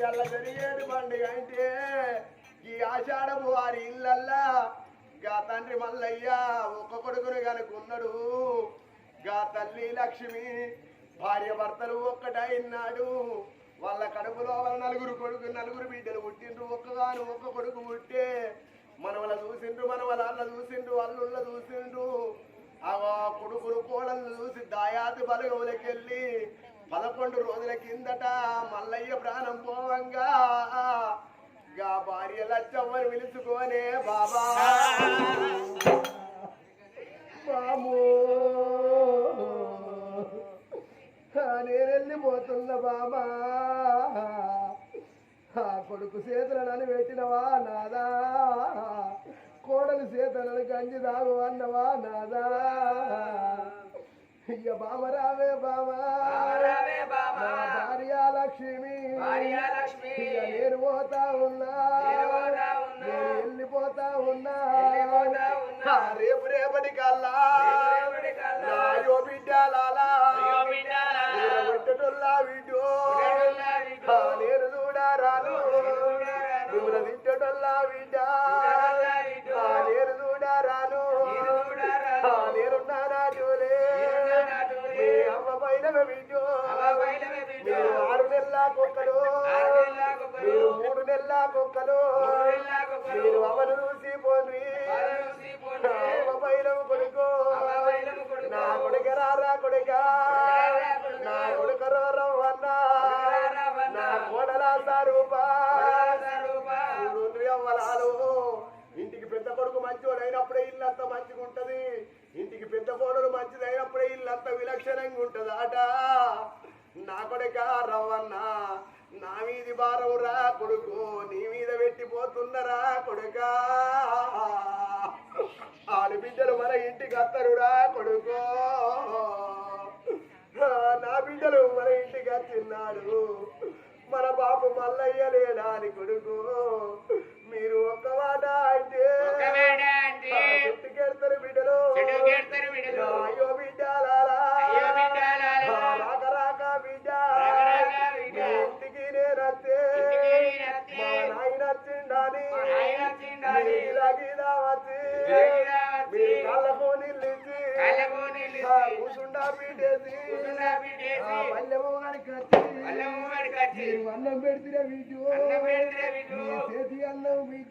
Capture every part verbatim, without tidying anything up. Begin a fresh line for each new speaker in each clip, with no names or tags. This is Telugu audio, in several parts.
ఇవాళ జరిగేది పండుగ అంటే ఈ ఆషాఢము వారి ఇళ్ళల్లా గా తండ్రి మల్లయ్య ఒక్క కొడుకును కనుకున్నాడు. గా తల్లి లక్ష్మి భార్య భర్తలు ఒక్కటైనాడు. వాళ్ళ కడుపులో వాళ్ళ నలుగురు కొడుకు నలుగురు బిడ్డలు పుట్టిండ్రు. ఒక్కగాను ఒక్క కొడుకు పుట్టే మనవల చూసిండ్రు, మనవల అల్ల చూసిండ్రు, అల్లుళ్ళ చూసిండ్రు. ఆ కొడుకులు కోడలు చూసి దాయాతి బలగవులకెళ్ళి పదకొండు రోజుల కిందట మల్లయ్య ప్రాణం పోవంగా గా భార్య లచ్చమ్మని పిలుచుకోనే బాబా బాము నేను వెళ్ళిపోతున్నా బాబా, ఆ కొడుకు చేతులను పెట్టినవా నాదా, కోడలు చేతులను గంజి దాగు అన్నవా నాదా. ఇయ్య బామ రావే బామా భార్య లక్ష్మి, నేను పోతా ఉన్నా, నేను వెళ్ళిపోతా ఉన్నా. రేపు రేపటి కల్లా నాయో బిడ్డలాలా పెట్టటోల్లా వీడియో నేను చూడారాను, నువ్వు తిట్టటోల్లా బిడ్డ నేను చూడారాను, నేనున్నానా జోలే మీ అమ్మ పైన వీడియో. మీరు ఆరు నెలల కుక్కలు, మీరు మూడు నెలల కుక్కలు, మీరు అవను చూసి పోండి. అమ్మ పైన కొడుకు నా కొడుక రారా కొడుక, నా కొడుక రవ్వన్నా, నా కోడల సారూపా అవ్వలాలు. ఇంటికి పెద్ద కొడుకు మంచివాడు అయినప్పుడే ఇల్లు అంతా మంచిగా ఉంటది, ఇంటికి పెద్ద కోడలు మంచిది అయినప్పుడే ఇల్లు అంతా విలక్షణంగా ఉంటది ఆట. నా కొడుక రవ్వన్నా, నా మీది భారం రా కొడుకు, నీ మీద పెట్టిపోతున్నరా కొడుక. ఆడబిడ్డలు మన ఇంటికి అత్తరురా కొడుకు, నా బిడ్డలు మన ఇంటికి వచ్చిన్నాడు. మన బాబు మల్లయ్య లేడా అని కొడుకు. మీరు ఒక్క మాట అంటే చుట్టుకెడతారు బిడ్డలు. అయ్యో బిడ్డలారా రాక రాక బిడ్డ ఇంటికి నేనత్తే మా నాయన వచ్చిండాని గీదా వచ్చి మీ కళ్ళకు నిల్లించి కూసుండా పీటేసి పల్లెము గారికి వచ్చి మీరు అన్నం పెడితే వీటు చేతి అన్నం బిడ్డ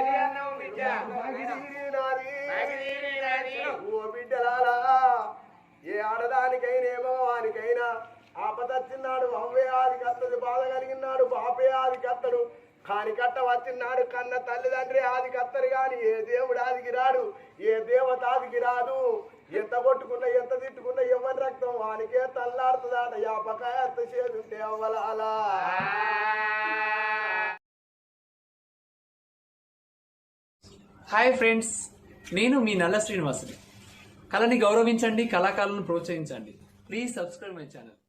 ఓ బిడ్డలాలా. ఏ ఆడదానికైనా ఏ మగవానికైనా ఆపదచ్చిన్నాడు అవ్వే ఆది కత్తది, బాధ కలిగినాడు బాపే ఆది కత్తడు. కాని కట్ట వచ్చినాడు కన్న తల్లిదండ్రి ఆది కత్తరు గాని ఏ దేవుడు ఆదికి రాడు, ఏ దేవత ఆదికి రాదు. ఎంత కొట్టుకున్నా ఎంత తిట్టుకున్నా ఎవరి రక్తం వానికే తల్లాడుతుందాట. యాపకాయ ఎంత చేదుంటే అవ్వలాలా.
హాయ్ ఫ్రెండ్స్, నేను మీ నల్ల శ్రీనివాసుని. కళని గౌరవించండి, కళాకారులను ప్రోత్సహించండి. Please subscribe my channel.